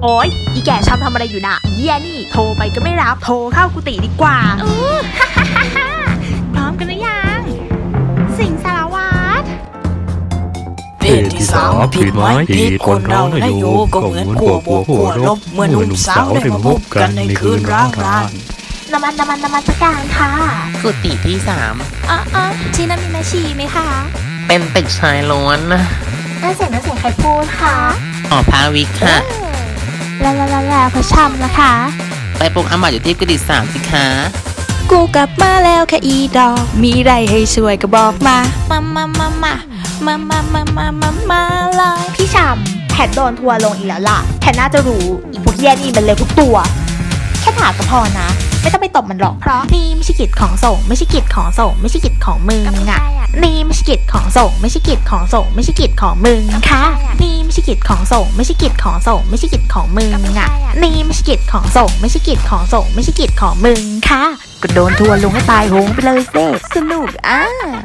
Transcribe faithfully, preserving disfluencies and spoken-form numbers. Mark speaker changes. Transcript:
Speaker 1: โอ๊ยอีแก่ชำทำอะไรอยู่น่ะเยี่ยนี่โทรไปก็ไม่รับโทรเข้ากุฏิดีกว่า
Speaker 2: อู้ฮ่าฮ่าฮ่าฮ่าพร้อมกันหรือยังสิงสารวัตร
Speaker 3: เพศที่สามผิดไหมผิดคนเราและโยก็เหมือนขั้วบวกขั้วลบเมื่อหนุ่มสาวได้มาพบกันในคืนร้างราน
Speaker 1: น้ำมันน้ำมันน้ำมันสักการค่ะ
Speaker 4: กุฏิที่สาม
Speaker 2: อ๋ออ๋อที่นั่นมีแม่ชีไหมคะ
Speaker 4: เป็นตึกชายล้วนนะ
Speaker 1: นั่นเสียงนั่นเสียงใครพูดคะ
Speaker 4: อ๋อพาวิกค่ะ
Speaker 2: แล้วแล้วแล้วแล้วพระชำล่ะคะ
Speaker 4: ไปปลุกอามาอยู่ที่กุฏิสามสิคะ
Speaker 2: กูกลับมาแล้วแค่อีดอกมีไรให้ช่วยก็บอกมามามามามามามามามามามาเลย
Speaker 1: พี่ชำแพทโดนทัวร์ลงอีกแล้วล่ะแพทน่าจะรู้อีพวกเยี่ยนี่มันเลยทุกตัวแค่ถามก็พอนะไม่ต้องไปตบมันหรอกเพราะนี่ไม่ใช่กิจของส่งไม่ใช่กิจของส่งไม่ใช่กิจของมึงอ่ะนี่ไม่ใช่กิจของส่งไม่ใช่กิจของส่งไม่ใช่กิจของมึงค่ะนี่ไม่ใช่กิจของส่งไม่ใช่กิจของส่งไม่ใช่กิจของมึงอ่ะนี่ไม่ใช่กิจของส่งไม่ใช่กิจของส่งไม่ใช่กิจของมึงค่ะ
Speaker 2: ก็โดนทัวร์ลงให้ตายโหงไปเลยเซ่สนุกอ่ะ